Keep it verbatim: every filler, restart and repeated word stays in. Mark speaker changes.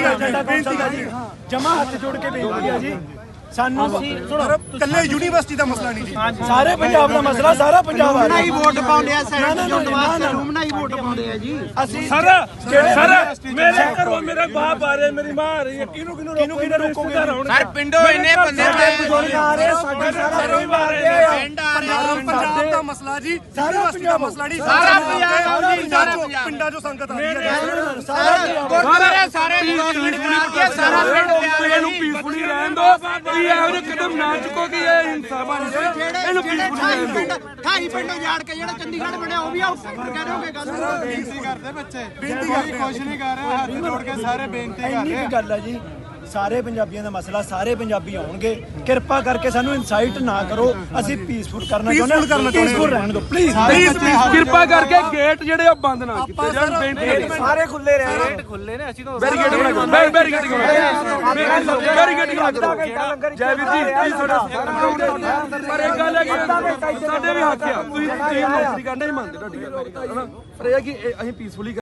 Speaker 1: ਬੇਨਤੀ ਹੈ ਜੀ ਜਮਾ ਹੱਥ ਜੋੜ ਕੇ ਬੇਨਤੀ ਹੈ ਜੀ ਸਾਨੂੰ
Speaker 2: ਕੱਲੇ ਯੂਨੀਵਰਸਿਟੀ ਦਾ ਮਸਲਾ ਨਹੀਂ ਜੀ
Speaker 1: ਸਾਰੇ ਪੰਜਾਬ ਦਾ ਮਸਲਾ ਸਾਰਾ ਪੰਜਾਬ ਆ
Speaker 3: ਹੀ ਵੋਟ ਪਾਉਂਦੇ ਆ ਸੈਨੇਟ ਚੋਣ ਵਾਸਤੇ ਰੂਮ ਨਾਲ ਹੀ ਵੋਟ ਪਾਉਂਦੇ ਆ ਜੀ
Speaker 1: ਅਸੀਂ
Speaker 4: ਸਰ ਸਰ ਮੇਰੇ ਘਰੋਂ ਮੇਰੇ ਬਾਪ ਆ ਰਹੇ ਮੇਰੀ ਮਾਂ ਆ ਰਹੀ ਹੈ ਕਿਹਨੂੰ ਕਿਹਨੂੰ
Speaker 1: ਕਿਹਨੂੰ ਕਿਹਨੂੰ ਰੋਕੋਗੇ
Speaker 5: ਸਰ ਪਿੰਡੋਂ ਇੰਨੇ ਬੰਦੇ
Speaker 1: ਬਜ਼ੁਰਗ ਆ ਰਹੇ ਸਾਡੇ ਸਾਰਾ ਮਾਰਦੇ ਆ
Speaker 5: ਪਿੰਡ ਆ ਰਹੇ
Speaker 2: ਪੰਜਾਬ ਦਾ ਮਸਲਾ ਜੀ
Speaker 1: ਸਾਰਾ ਪੰਜਾਬ
Speaker 2: ਮਸਲਾ ਨਹੀਂ
Speaker 5: ਸਾਰਾ ਪੰਜਾਬ ਜੀ ਸਾਰਾ
Speaker 2: ਪਿੰਡਾਂ ਪਿੰਡਾਂ ਚੋਂ ਸੰਗਤ ਆ ਰਹੀ ਹੈ
Speaker 1: ਸਾਰਾ
Speaker 5: ਗੁਰਦੁਆਰੇ ਸਾਰੇ ਵਿਰੋਧ ਕਰਾ ਕੇ ਸਾਰਾ ਪਿੰਡ ਤਿਆਰ
Speaker 4: ਇਹਨੂੰ ਪੀਸਫੁਲੀ ਰਹਿਣ ਦੋ ਵੀ ਇਹੋ ਜਿਹੇ ਕਦਮ ਨਾ ਚੁੱਕੋ ਕਿ ਇਹ ਹਿੰਸਾ ਬਣ ਜਾਏ ਇਹਨੂੰ ਪੀਸਫੁਲੀ ਰਹਿਣ ਦਿਓ
Speaker 3: ਅਠਾਈ ਪਿੰਡ ਉਜਾੜ ਕੇ ਜਿਹੜਾ ਚੰਡੀਗੜ੍ਹ ਬਣਿਆ ਉਹ ਵੀ ਆਊਟਸਾਈਡਰ ਕਹਿ ਰਹੇ ਹੋਗੇ ਗੱਲ
Speaker 6: ਬੇਨਤੀ ਕਰਦੇ ਬੱਚੇ ਕੋਈ ਕੁਛ ਨਹੀਂ ਕਰ ਰਿਹਾ ਹੱਥ ਜੋੜ ਕੇ ਸਾਰੇ ਬੇਨਤੀ ਕਰ
Speaker 1: ਇੰਨੀ
Speaker 6: ਰਹੇ
Speaker 1: ਕੀ ਗੱਲ ਹੈ ਜੀ ਸਾਰੇ ਪੰਜਾਬੀਆਂ ਦਾ ਮਸਲਾ ਸਾਰੇ ਪੰਜਾਬੀ ਆਉਣਗੇ ਕਿਰਪਾ ਕਰਕੇ ਸਾਨੂੰ ਇਨਸਾਈਟ ਨਾ ਕਰੋ ਅਸੀਂ ਪੀਸਫੁਲ ਕਰਨਾ ਚਾਹੁੰਦੇ ਹਾਂ ਪੀਸਫੁਲ ਰਹਿਣ ਦਿਓ ਪਲੀਜ਼
Speaker 4: ਕਿਰਪਾ ਕਰਕੇ ਗੇਟ ਜਿਹੜੇ ਆ ਬੰਦ ਨਾ ਕੀਤੇ ਜਾਣ ਬੇਨਤੀ
Speaker 1: ਸਾਰੇ ਖੁੱਲੇ ਰਹੇ
Speaker 4: ਬੈਰੀਕੇਡ ਬਣਾ ਕੇ ਬੈਰੀਕੇਡ ਬੈਰੀਕੇਡ ਬਣਾ ਕੇ ਜੈ ਵੀਰ ਜੀ ਪਲੀਜ਼ ਤੁਹਾਡਾ ਪਰ ਇੱਕ ਗੱਲ ਹੈ ਕਿ ਸਾਡੇ ਵੀ ਹੱਕ ਆ ਤੁਸੀਂ ਤੁਸੀਂ ਨੌਕਰੀ ਕਰਨਾ ਹੀ ਮੰਨਦੇ ਤੁਹਾਡੀ ਗੱਲ ਪਰ ਇਹ ਹੈ ਕਿ ਅਸੀਂ ਪੀਸਫੁਲੀ